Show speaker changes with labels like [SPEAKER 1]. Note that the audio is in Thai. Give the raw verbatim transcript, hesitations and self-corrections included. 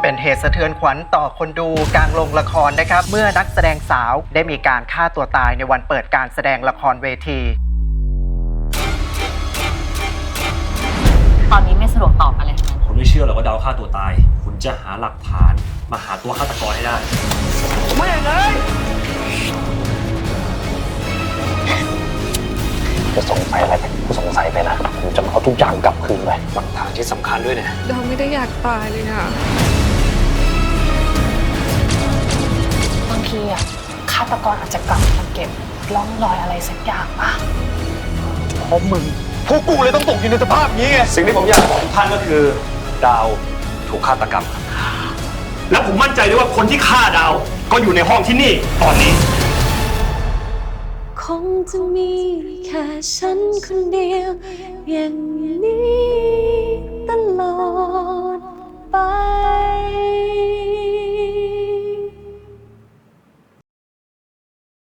[SPEAKER 1] เป็นเหตุสะเทือนขวัญต่อคนดูกลางโรงละครนะครับเมื่อนักแสดงสาวได้มีการฆ่าตัวตายในวันเปิดการแสดงละครเวที
[SPEAKER 2] ตอนนี้ไม่สะดวกตอบอะไรทั้งนั้น
[SPEAKER 3] คุณไม่เชื่อหรอกว่าดาวฆ่าตัวตายคุณจะหาหลักฐานมาหาตัวฆาตกรให้ได้ไม่เลย
[SPEAKER 4] จะสงสัยอะไรกูสงสัยไปนะผมจะเอาทุกอย่างกลับคืนไป
[SPEAKER 3] หลักฐานที่สำคัญด้วยเนี่ย
[SPEAKER 5] เราไม่ได้อยากตายเลยอะ
[SPEAKER 2] บางทีอะฆาตกรอาจจะกลับมาเก็บร่องรอยอะไรสักอย่างป่ะ
[SPEAKER 4] เพราะมึงพวกกูเลยต้องตกอยู่ในสภาพนี้ไง
[SPEAKER 3] สิ่งที่ผมอยากบอกทุกท่านก็คือดาวถูกฆาตกรรมครับแล้วผมมั่นใจด้วยว่าคนที่ฆ่าดาวก็อยู่ในห้องที่นี่ตอนนี้
[SPEAKER 6] คงจะมีแค่ฉันคนเดียวอย่างนี้